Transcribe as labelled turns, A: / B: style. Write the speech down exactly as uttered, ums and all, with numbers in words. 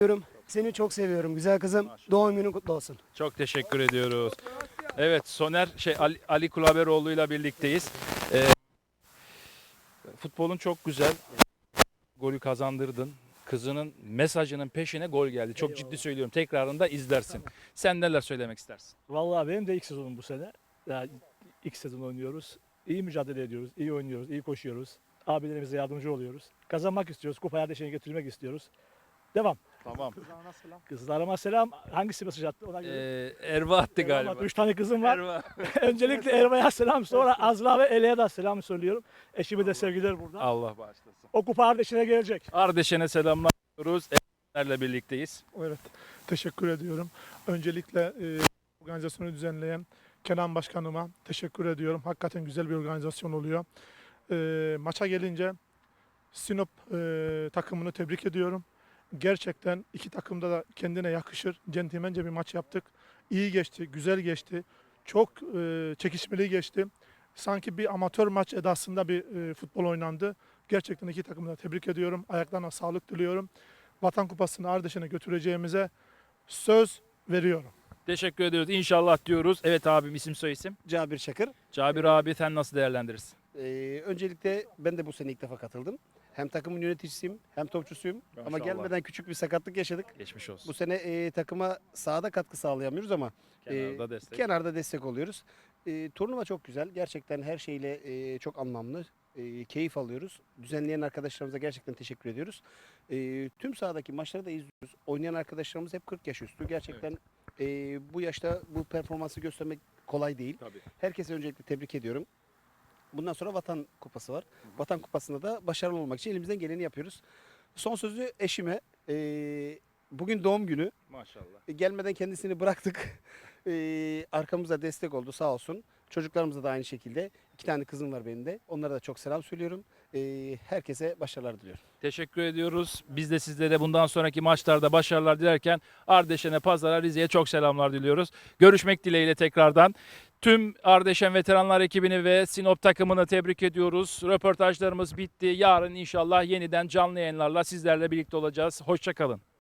A: Seviyorum. Seni çok seviyorum güzel kızım. Doğum günün kutlu olsun.
B: Çok teşekkür ediyoruz. Evet, Soner şey Ali, Ali Kulaberoğlu ile birlikteyiz. Ee, futbolun çok güzel. Golü kazandırdın. Kızının mesajının peşine gol geldi. Çok ciddi söylüyorum. Tekrarında izlersin. Sen neler söylemek istersin?
C: Vallahi benim de ilk sezonum bu sene. Yani ilk sezon oynuyoruz. İyi mücadele ediyoruz, iyi oynuyoruz, iyi koşuyoruz. Abilerimize yardımcı oluyoruz. Kazanmak istiyoruz, kupa yerleşene getirmek istiyoruz. Devam.
B: Tamam.
C: Kızlarıma selam. Hangisi mesaj attı ona göre?
B: Ee, Erva attı
C: Selam
B: galiba.
C: attı. Üç tane kızım var.
B: Erva.
C: Öncelikle Erva'ya selam, sonra Azra ve Ele'ye de selam söylüyorum. Eşime de sevgiler burada.
B: Allah bağışlasın.
C: O kupa kardeşine gelecek.
B: Ardeşen'e selamlar diyoruz. Erenlerle birlikteyiz.
D: Evet, teşekkür ediyorum. Öncelikle e, organizasyonu düzenleyen Kenan Başkanıma teşekkür ediyorum. Hakikaten güzel bir organizasyon oluyor. E, maça gelince Sinop e, takımını tebrik ediyorum. Gerçekten iki takımda da kendine yakışır. Centilmence bir maç yaptık. İyi geçti, güzel geçti. Çok e, çekişmeli geçti. Sanki bir amatör maç edasında bir e, futbol oynandı. Gerçekten iki takımı da tebrik ediyorum. Ayaklarına sağlık diliyorum. Vatan Kupası'nı Ardeşen'e götüreceğimize söz veriyorum.
B: Teşekkür ediyoruz. İnşallah diyoruz. Evet abim, isim soy isim.
E: Cabir Çakır.
B: Cabir abi, sen nasıl değerlendirirsin?
E: Ee, öncelikle ben de bu sene ilk defa katıldım. Hem takımın yöneticisiyim hem topçusuyum. Ama
B: Maşallah.
E: gelmeden küçük bir sakatlık yaşadık.
B: Geçmiş olsun.
E: Bu sene e, takıma sahada katkı sağlayamıyoruz ama
B: Kenarda
E: e,
B: destek.
E: kenarda destek oluyoruz. E, turnuva çok güzel. Gerçekten her şeyle e, çok anlamlı. E, keyif alıyoruz. Düzenleyen arkadaşlarımıza gerçekten teşekkür ediyoruz. E, tüm sahadaki maçları da izliyoruz. Oynayan arkadaşlarımız hep kırk yaş üstü. Gerçekten e, bu yaşta bu performansı göstermek kolay değil.
B: Tabii.
E: Herkese öncelikle tebrik ediyorum. Bundan sonra Vatan Kupası var. Vatan Kupası'nda da başarılı olmak için elimizden geleni yapıyoruz. Son sözü eşime. Ee, bugün doğum günü.
B: Maşallah.
E: E, Gelmeden kendisini bıraktık. Ee, arkamıza destek oldu sağ olsun. Çocuklarımıza da aynı şekilde. İki tane kızım var benim de. Onlara da çok selam söylüyorum. Ee, herkese başarılar diliyorum.
B: Teşekkür ediyoruz. Biz de sizlere bundan sonraki maçlarda başarılar dilerken Ardeşen'e, Pazar'a, Rize'ye çok selamlar diliyoruz. Görüşmek dileğiyle tekrardan. Tüm Ardeşen veteranlar ekibini ve Sinop takımını tebrik ediyoruz. Röportajlarımız bitti. Yarın inşallah yeniden canlı yayınlarla sizlerle birlikte olacağız. Hoşça kalın.